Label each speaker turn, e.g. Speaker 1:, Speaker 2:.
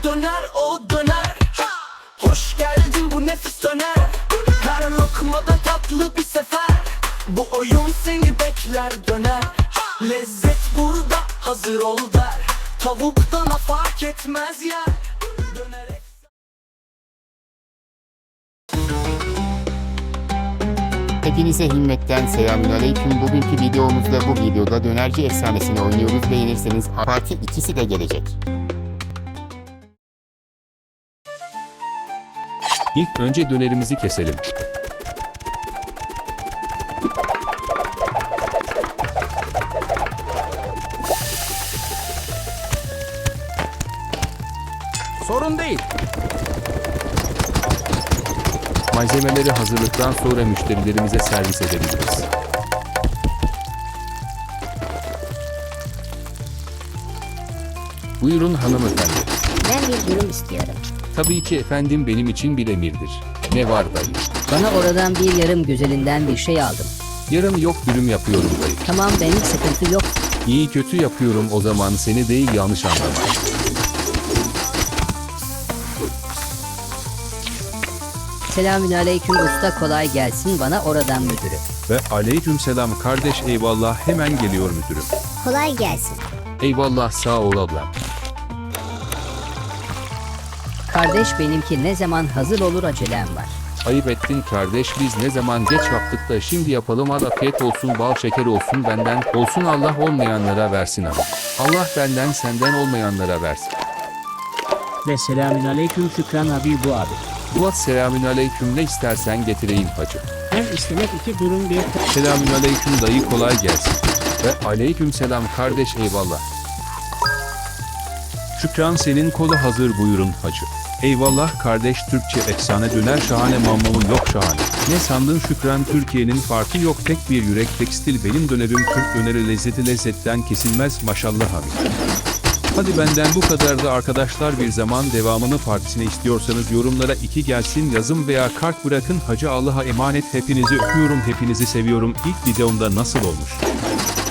Speaker 1: döner o döner. Hoş geldin bu nefis döner. Her lokmada tatlı bir sefer. Bu oyun seni bekler döner. Lezzet burada hazır ol der. Tavuktan fark etmez yer. Dönerek.
Speaker 2: Hepinize Himmet'ten selamünaleyküm. Bugünkü videomuzda bu videoda dönerci efsanesini oynuyoruz. Beğenirseniz parti ikisi de gelecek.
Speaker 3: İlk önce dönerimizi keselim.
Speaker 4: Sorun değil.
Speaker 3: Malzemeleri hazırlıktan sonra müşterilerimize servis edebiliriz. Buyurun hanımefendi.
Speaker 5: Ben bir dürüm istiyorum.
Speaker 3: Tabii ki efendim, benim için bir emirdir. Ne var dayı?
Speaker 5: Bana oradan bir yarım güzelinden bir şey aldım.
Speaker 3: Yarım yok, dürüm yapıyorum dayı.
Speaker 5: Tamam, benim sıkıntı yok.
Speaker 3: İyi kötü yapıyorum o zaman, seni değil yanlış anlama.
Speaker 5: Selamünaleyküm usta, kolay gelsin, bana oradan müdürü.
Speaker 6: Ve aleykümselam kardeş, eyvallah, hemen geliyor müdürüm.
Speaker 5: Kolay gelsin.
Speaker 3: Eyvallah, sağ ol ablam.
Speaker 5: Kardeş, benimki ne zaman hazır olur, acelem var.
Speaker 3: Ayıp ettin kardeş, biz ne zaman geç yaptık da şimdi yapalım. Hadi afiyet olsun, bal şeker olsun, benden olsun, Allah olmayanlara versin abi. Allah benden senden olmayanlara versin.
Speaker 7: Ve selamünaleyküm Şükran abi bu abi.
Speaker 3: Fuat selamünaleyküm, ne istersen getireyim hacı.
Speaker 7: Ben istemek iki durum bir
Speaker 6: Selamünaleyküm dayı, kolay gelsin.
Speaker 3: Ve aleykümselam kardeş, eyvallah.
Speaker 6: Şükran, senin kolu hazır, buyurun hacı. Eyvallah kardeş, Türkçe efsane döner şahane, mamamın yok şahane. Ne sandın Şükran, Türkiye'nin farkı yok, tek bir yürek tekstil, benim dönerim Türk döneri, lezzeti lezzetten kesilmez maşallah abi. Hadi benden bu kadar da arkadaşlar, bir zaman devamını partisine istiyorsanız yorumlara 2 gelsin yazın veya kart bırakın. Hacı Allah'a emanet, hepinizi öpüyorum, hepinizi seviyorum. İlk videomda nasıl olmuş?